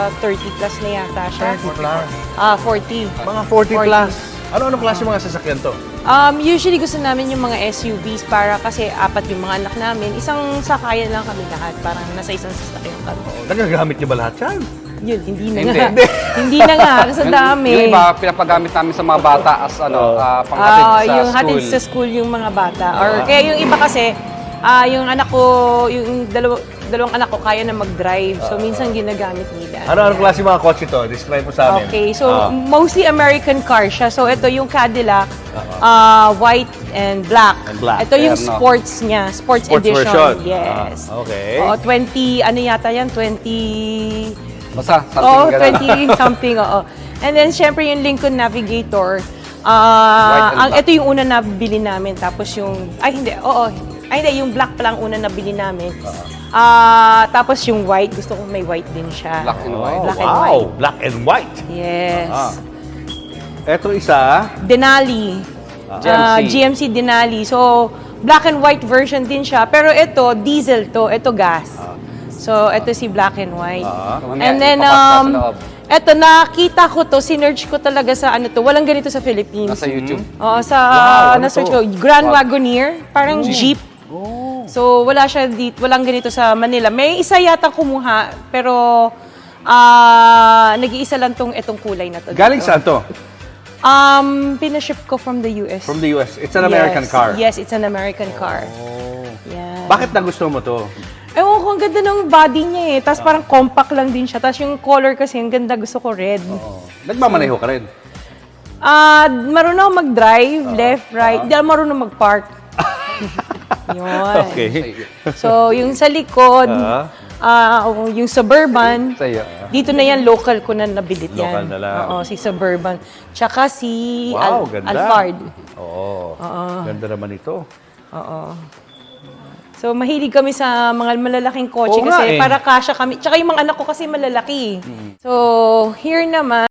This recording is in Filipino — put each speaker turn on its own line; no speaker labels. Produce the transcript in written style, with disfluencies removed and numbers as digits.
30 plus na yata siya.
30 plus.
40.
Mga 40 plus. Ano klase mga sasakyan to?
Usually gusto namin yung mga SUVs para kasi apat yung mga anak namin. Isang sakayan lang kami lahat. Parang nasa isang sasakyan kami.
Nagagamit niyo ba lahat yan?
Yun, hindi na
Hindi.
nga. Hindi na nga. Kasi dami.
Yung iba, pinapagamit namin sa mga bata as panghatid sa
Yung
school.
hatid sa school yung mga bata. Or kaya yung iba kasi, yung anak ko, yung dalawang anak ko kaya na mag-drive. So minsan ginagamit nila.
Ano klase mga kotse to? Describe mo sa amin.
Okay, so mostly American car siya. So ito yung Cadillac, white and black. Ito yung
Terno.
sports niya, sports edition.
version.
Yes.
Okay.
Oo, 20, ano yata yan? 20...
Basta,
Oo,
something ganun.
20 something, oo. And then, syempre, yung Lincoln Navigator.
and black.
Ito yung una na bili namin. Tapos yung, hindi, yung black pa lang una na bili namin. Tapos yung white, gusto ko may white din siya.
Black and white.
Black and
Wow,
white.
black and white.
Yes.
Eto isa.
Denali.
GMC.
GMC Denali. So, black and white version din siya. Pero ito, diesel to. Ito, gas. So, ito si black and white.
Mamaya,
And then,
ipapasok sa loob.
eto, nakita ko to, sinerch ko talaga sa ano to. Walang ganito sa Philippines.
Nasa YouTube.
Oo,
ano
na-search
to?
ko. Grand Wagoneer, parang jeep. So, wala siya dito, walang ganito sa Manila. May isa yata kumuha, pero nag-iisa lang itong kulay na to.
Galing
dito.
saan to?
Pinaship ko from the US.
From the US. It's an American car.
Yes, it's an American car. Yeah.
Bakit nagustuhan mo to?
Ewan ko, ang ganda ng body niya eh. Tapos parang compact lang din siya. Tapos yung color kasi, ang ganda. Gusto ko red.
Nagmamaneho ka rin.
Marunong ako mag-drive, left, right. Hindi ako marunong mag-park. Yun.
Okay.
So, yung sa likod, yung Suburban,
Sa'yo.
dito na yan, local ko na nabilit yan.
Local na lang.
Oo, si Suburban. Tsaka si
Wow, ganda.
Alphard.
Oo. Ganda naman ito.
Oo. So, mahilig kami sa mga malalaking kotse
Oo nga
kasi
eh.
para kasya kami. Tsaka yung mga anak ko kasi malalaki. So, here naman,